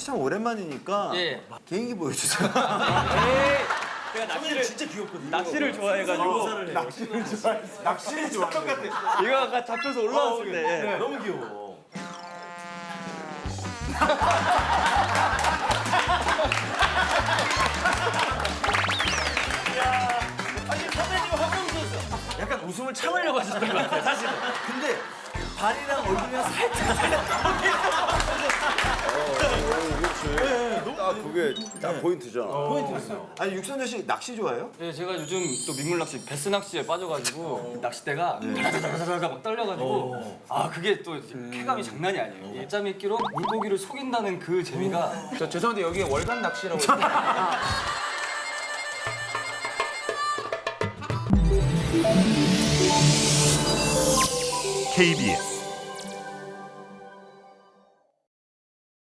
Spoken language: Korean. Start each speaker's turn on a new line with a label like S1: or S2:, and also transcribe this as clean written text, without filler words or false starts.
S1: 참 오랜만이니까
S2: 예.
S1: 개인기 보여주세요.
S2: 제가 낚시를 진짜 귀엽거든요. 낚시를 좋아해가지고
S1: 낚시를 좋아하는
S2: 이거 아까 잡혀서 올라왔을 때
S1: 너무 귀여워.
S2: 아니 선배님 화장실에서 약간 웃음을 참으려고 하셨던 것 같아요 사실은.
S1: 근데 발이랑 얼굴이랑 살짝
S3: 딱 그게 딱 포인트잖아.
S1: 포인트였어요. 아니 육선재 씨 낚시 좋아해요?
S2: 네, 제가 요즘 또 민물 낚시, 베스 낚시에 빠져가지고 낚싯대가 다다다다다다 막 떨려가지고 아 그게 또 쾌감이 장난이 아니에요. 일자미 끼로 물고기를 속인다는 그 재미가
S4: 저 죄송한데 여기 월간 낚시라고
S5: KBS